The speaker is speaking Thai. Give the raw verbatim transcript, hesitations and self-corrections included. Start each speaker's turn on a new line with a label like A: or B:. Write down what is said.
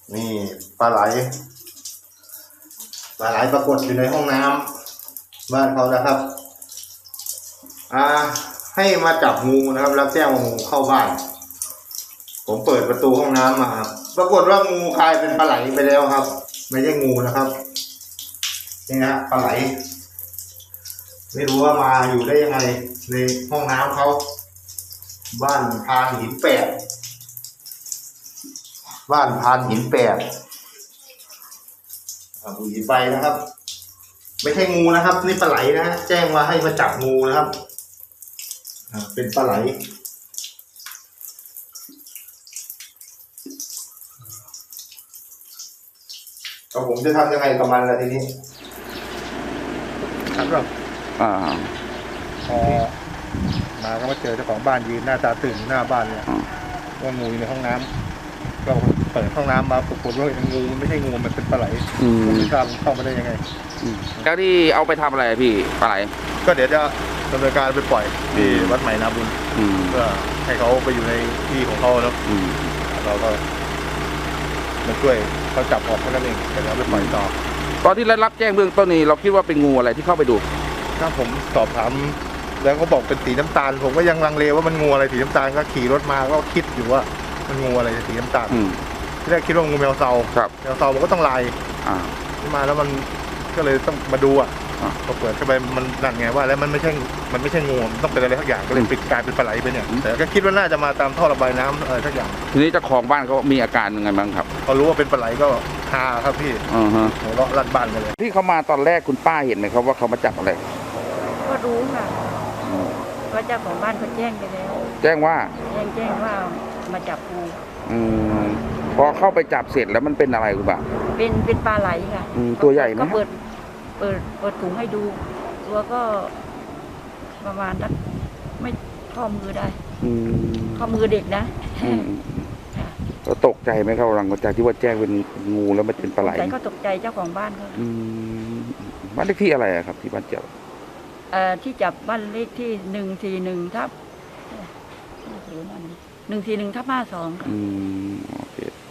A: นี่ปลาไหลปลาไหลปรากฏอยู่ในห้องน้ำบ้านเขานะครับอ่าให้มาจับงูนะครับแล้วแจ้งว่างูเข้าบ้านผมเปิดประตูห้องน้ำมาครับปรากฏว่างูกลายเป็นปลาไหลไปแล้วครับไม่ใช่งูนะครับนี่นะปลาไหลไม่รู้ว่ามาอยู่ได้ยังไงในห้องน้ำเขาบ้านพานหินแปดบ้านพานหินแปดบุหรี่ไฟนะครับไม่ใช่งูนะครับนี่ปลาไหลนะฮะแจ้งว่าให้มาจับงูนะครับเป็นปลาไหลก็ผมจะทำยังไงกับมันล่ะทีนี้ครับอ่าพอมาก็มาเจอเจ้าของบ้านยืนหน้าตาตื่นหน้าบ้านเนี่ยว่างูอยู่ในห้องน้ำก็เปิดห้องน้ำมาปรากฏว่างูมันไม่ใช่งูมันเป็นปลาไหลผมไม่ทราบเข้ามาได้ยังไง
B: แล้วที่เอาไปทำอะไรพี่ปลาไหล
A: ก็เดี๋ยวจะดำเนินการไปปล่อยที่วัดใหม่นาบุญเพื่อให้เขาไปอยู่ในที่ของเขาแล้วเราก็มาช่วยเขาจับออกแค่นั้นเองเดี๋ยวไปปล่อยต่อ
B: ตอนที่ได้รับแจ้งเบื้องต้นนี้เราคิดว่าเป็นงูอะไรที่เข้าไปดู
A: ถ้าผมสอบถามแล้วเขาบอกเป็นสีน้ำตาลผมก็ยังลังเลว่ามันงูอะไรสีน้ำตาลก็ขี่รถมาก็คิดอยู่ว่ามันงูอะไรสีน้ำตาลที่แรกคิดว่างูแมวเซาแมวเซามันก็ต้องลายที่มาแล้วมันก็เลยต้องมาดูอ่ะพอเปิดเข้าไปมันนั่นไงว่าแล้วมันไม่ใช่มันไม่ใช่งูมันต้องเป็นอะไรทักอย่างก็เลยปิดกลายเป็นปลาไหลไปเนี่ยแต่ก็คิดว่าน่าจะมาตามท่อระบายน้ำอะไรทักอย่าง
B: ทีนี้เจ้าของบ้านเขามีอาการยังไงบ้างครับ
A: เขารู้ว่าเป็นปลาไหลก็ฮาครับพี่หัวเราะลั่นบ้านกันเลย
B: ที่เขามาตอนแรกคุณป้าเห็นไหมครับว่าเขามาจับอะไร
C: ก็รู้ค่ะว่าเจ้าของบ้านเขาแจ้งไปแล้ว
B: แจ้งว่า
C: แจ้งแจ้งว่ามาจับงู
B: อืมพอเข้าไปจับเสร็จแล้วมันเป็นอะไรคุณป้า
C: เป็นเป็นปลาไหลค่ะ
B: ตัวใหญ่ไหม
C: ก็เปิดเปิดเปิดถุงให้ดูตัวก็ประมาณนักไม่ข้อมือได้ข้อมือเด็กนะ
B: ก็ตกใจไหมครับหลังจากที่ว่าแจ้งเป็นงูแล้วมันเป็นปลาไหล
C: ก็ตกใจเจ้าของบ้านเขา
B: บ้านเลขที่อะไรครับที่บ้านจับ
C: เอ่อที่จับบ้านเลขที่หนึ่งสี่หนึ่งทับหนึ่งสี่หนึ่งทับห้าสอง
B: อืมโอเค